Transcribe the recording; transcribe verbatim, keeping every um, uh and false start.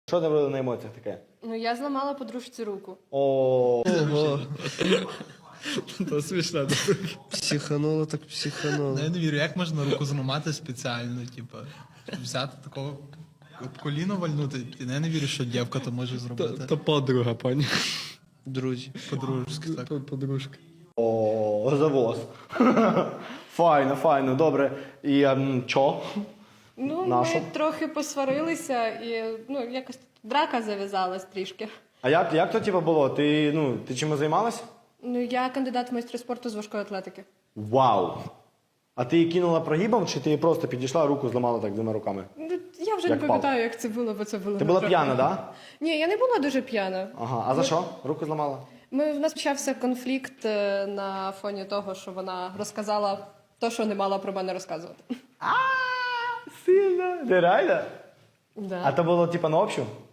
Що ти робила на емоціях таке? Ну, я зламала подружці руку. О, То смішно. Психануло так психануло. Я не вірю, як можна руку зламати спеціально, типу, взяти такого об коліно вальнути. Я не вірю, що дівка то може зробити. То подруга, пані. Друзі. По-дружськи, так. Подружка. о, завоз. Файно, файно, добре. І ем, чо? Ну, Нашу? ми трохи посварилися і, ну, якось драка зав'язалась трішки. А як, як то типу, було? Ти, ну, ти чимось займалась? Ну, я кандидат в майстри спорту з важкої атлетики. Вау! А ти її кинула прогибом, чи ти просто підійшла, руку зламала так двома руками? Ну, я вже Як не пам'ятаю, як це було, бо це було. Ти була трохи. п'яна, так? Да? Ні, я не була дуже п'яна. Ага. А за що? Руку зламала? Ми, в нас почався конфлікт е, на фоні того, що вона розказала те, що не мала про мене розказувати. А, сильно. Ти реально? Да. А то було типа на общу?